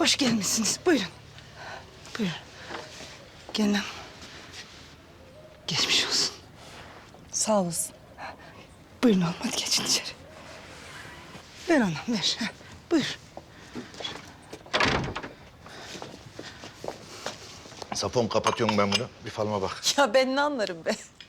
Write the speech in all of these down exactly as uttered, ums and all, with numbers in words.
Hoş gelmişsiniz. Buyurun. Buyurun. Gelin hanım. Geçmiş olsun. Sağ olasın. Buyurun oğlum, hadi geçin içeri. Ver anam, ver. Ha, buyur. Sapon kapatıyorum ben bunu. Bir falıma bak. Ya ben ne anlarım be?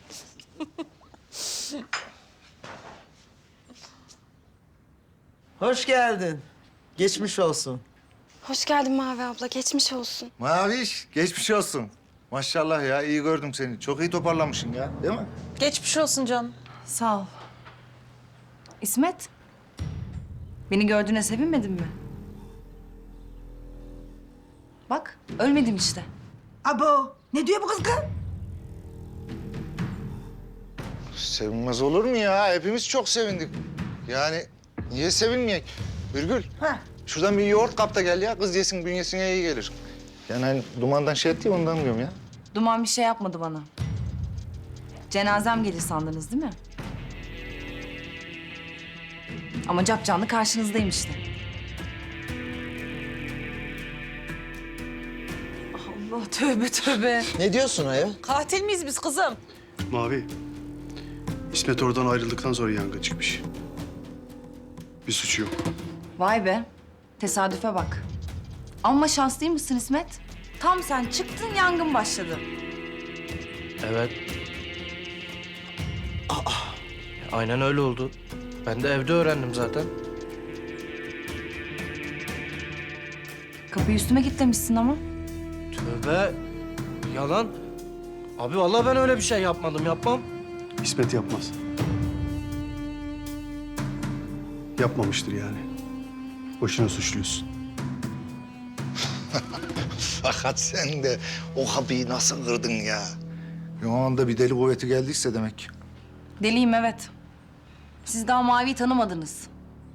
Hoş geldin. Geçmiş olsun. Hoş geldin Mavi abla, geçmiş olsun. Maviş, geçmiş olsun. Maşallah ya, iyi gördüm seni. Çok iyi toparlamışsın ya, değil mi? Geçmiş olsun canım. Sağ ol. İsmet, beni gördüğüne sevinmedin mi? Bak, ölmedim işte. Abo, ne diyor bu kız kız? Sevinmez olur mu ya? Hepimiz çok sevindik. Yani niye sevinmeyek? Birgül, Ha. şuradan bir yoğurt kap da gel ya. Kız yesin, bünyesine iyi gelir. Yani hani dumandan şey etti ya, ondan diyorum ya. Duman bir şey yapmadı bana. Cenazem gelir sandınız değil mi? Ama capcanlı karşınızdayım işte. Allah tövbe tövbe. Ne diyorsun ayol? Katil miyiz biz kızım? Mavi, İsmet oradan ayrıldıktan sonra yangın çıkmış. Bir suçu yok. Vay be, tesadüfe bak. Amma şanslıymışsın İsmet. Tam sen çıktın, yangın başladı. Evet. Aa. Aynen öyle oldu. Ben de evde öğrendim zaten. Kapıyı üstüme kilitlemişsin ama. Tövbe. Yalan. Abi vallahi ben öyle bir şey yapmadım, yapmam. İsmet yapmaz. Yapmamıştır yani. Boşuna suçluyorsun. Fakat sen de o kapıyı nasıl kırdın ya? Bir o anda bir deli kuvveti geldiyse demek. Deliyim evet. Siz daha Mavi'yi tanımadınız.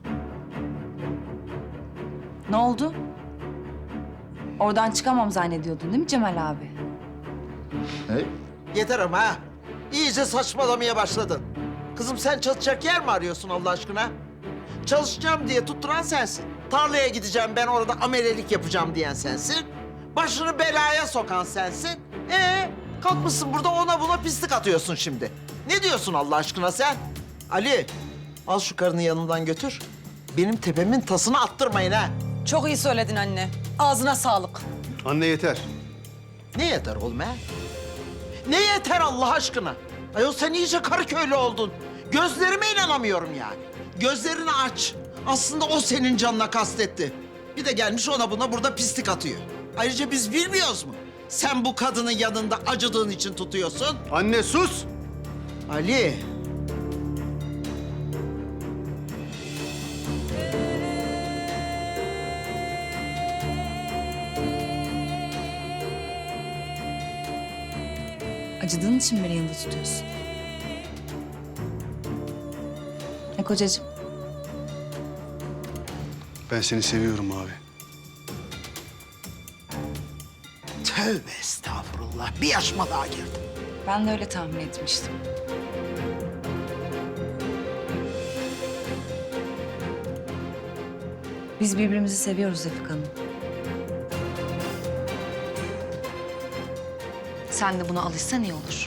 Ne oldu? Oradan çıkamam zannediyordun değil mi Cemal abi? Ne? Yeter ama ha. İyice saçmalamaya başladın. Kızım sen çalışacak yer mi arıyorsun Allah aşkına? Çalışacağım diye tutturan sensin. Tarlaya gideceğim ben orada amelelik yapacağım diyen sensin. Başını belaya sokan sensin. Ee, kalkmışsın burada ona buna pislik atıyorsun şimdi. Ne diyorsun Allah aşkına sen? Ali, al şu karını yanımdan götür. Benim tepemin tasını attırmayın ha. Çok iyi söyledin anne. Ağzına sağlık. Anne yeter. Ne yeter oğlum ha? Ne yeter Allah aşkına? Ayol sen iyice Karaköylü oldun. Gözlerime inanamıyorum yani. Gözlerini aç. Aslında o senin canına kastetti. Bir de gelmiş ona buna burada pislik atıyor. Ayrıca biz bilmiyoruz mu? Sen bu kadının yanında acıdığın için tutuyorsun. Anne sus! Ali. Acıdığın için mi beni yanında tutuyorsun? Ne kocacığım? Ben seni seviyorum abi. Tövbe estağfurullah. Bir yaşıma daha girdim. Ben de öyle tahmin etmiştim. Biz birbirimizi seviyoruz Refik Hanım. Sen de buna alışsan iyi olur.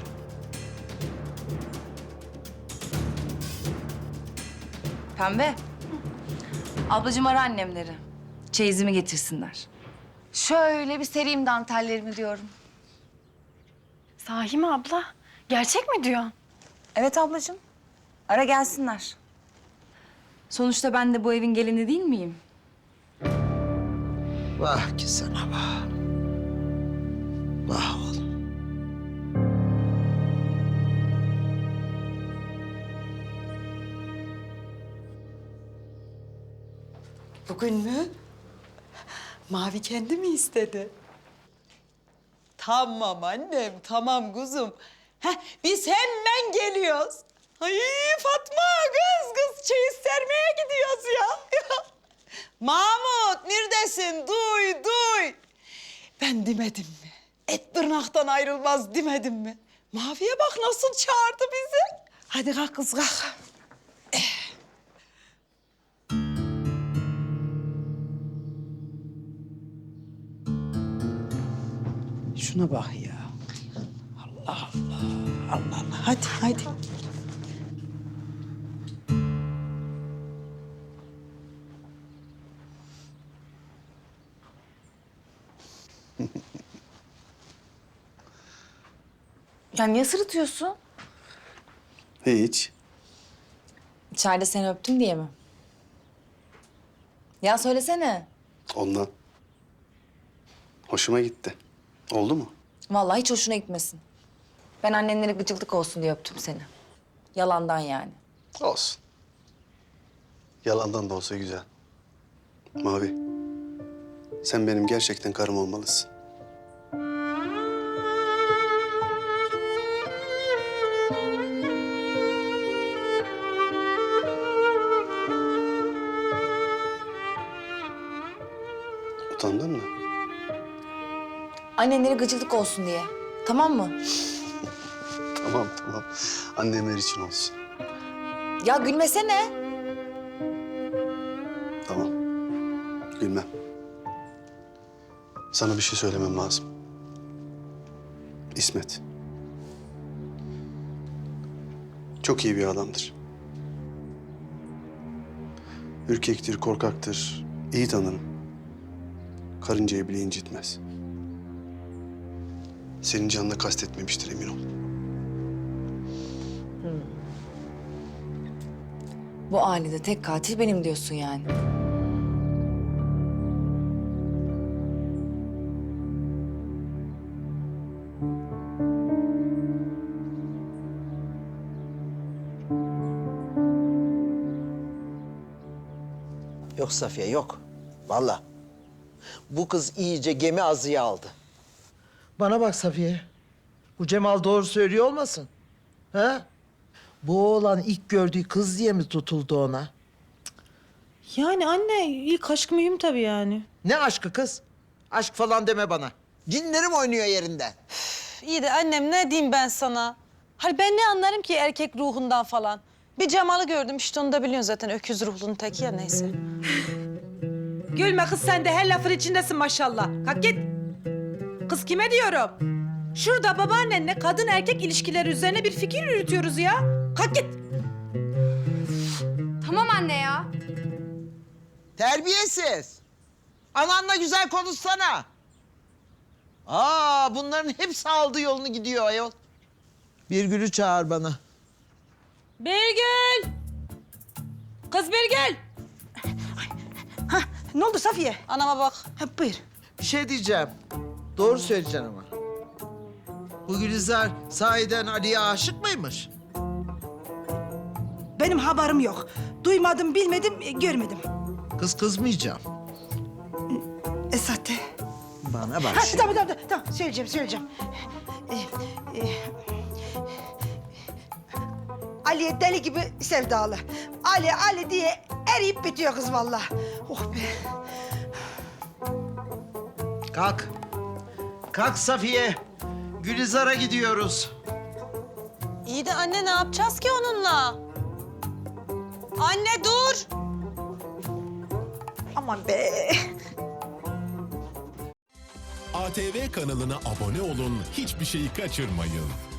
Pembe. Ablacığım ara annemleri. Çeyizimi getirsinler. Şöyle bir sereyim dantellerimi diyorum. Sahi mi abla? Gerçek mi diyorsun? Evet ablacığım. Ara gelsinler. Sonuçta ben de bu evin gelini değil miyim? Vah ki sana vah. Vah oğlum. Bugün mü? Mavi kendi mi istedi? Tamam annem, tamam kuzum. Heh, biz hemen geliyoruz. Ay Fatma, kız kız çeyiz sermeye gidiyoruz ya. Mahmut, neredesin? Duy, duy. Ben demedim mi? Et tırnaktan ayrılmaz demedim mi? Maviye bak nasıl çağırdı bizi. Hadi kalk kız kalk. şuna bak ya. Allah Allah. Allah Allah. Hadi hadi. Ya niye sırıtıyorsun? Hiç. İçeride seni öptüm diye mi? Ya söylesene. Ondan. Hoşuma gitti. Oldu mu? Vallahi hiç hoşuna gitmesin. Ben annenlere gıcıklık olsun diye öptüm seni. Yalandan yani. Olsun. Yalandan da olsa güzel. Mavi, sen benim gerçekten karım olmalısın. Utandın mı? Annenlere gıcıklık olsun diye. Tamam mı? Tamam, tamam. Annemler için olsun. Ya gülmesene. Tamam. Gülmem. Sana bir şey söylemem lazım. İsmet. Çok iyi bir adamdır. Ürkektir, korkaktır. İyi tanırım. Karıncayı bile incitmez. Senin canına kastetmemiştir, emin ol. Bu ailede tek katil benim diyorsun yani. Yok Safiye yok. Vallahi. Bu kız iyice gemi azıya aldı. Bana bak Safiye. Bu Cemal doğru söylüyor olmasın? Ha? Bu oğlan ilk gördüğü kız diye mi tutuldu ona? Yani anne ilk aşk mühim tabii yani. Ne aşkı kız? Aşk falan deme bana. Cinlerim oynuyor yerinden. İyi de annem ne diyeyim ben sana? Hani ben ne anlarım ki erkek ruhundan falan? Bir Cemal'ı gördüm işte onu da biliyorsun zaten öküz ruhlunun teki ya neyse. Gülme kız sen de her lafın içindesin maşallah. Kalk git. Kız kime diyorum? Şurada babaannenle kadın erkek ilişkileri üzerine bir fikir yürütüyoruz ya. Kalk git. Tamam anne ya. Terbiyesiz. Ananla güzel konuşsana. Aa, bunların hepsi aldı yolunu gidiyor ayol. Birgül'ü çağır bana. Birgül! Kız Birgül! Ne oldu Safiye? Anama bak. Ha, buyur. Bir şey diyeceğim. Doğru söyleyeceksin ama. Bu Gülizar sahiden Ali'ye aşık mıymış? Benim haberim yok. Duymadım, bilmedim, e, görmedim. Kız kızmayacağım. Esat de. Bana bak Ha, şimdi. tamam, tamam, tamam. Söyleyeceğim, söyleyeceğim. Ee, e, Ali'ye deli gibi sevdalı. Ali, Ali diye eriyip bitiyor kız vallahi. Oh be. Kalk. Kalk Safiye. Gülizar'a gidiyoruz. İyi de anne ne yapacağız ki onunla? Anne dur! Aman be. A T V kanalına abone olun, hiçbir şeyi kaçırmayın.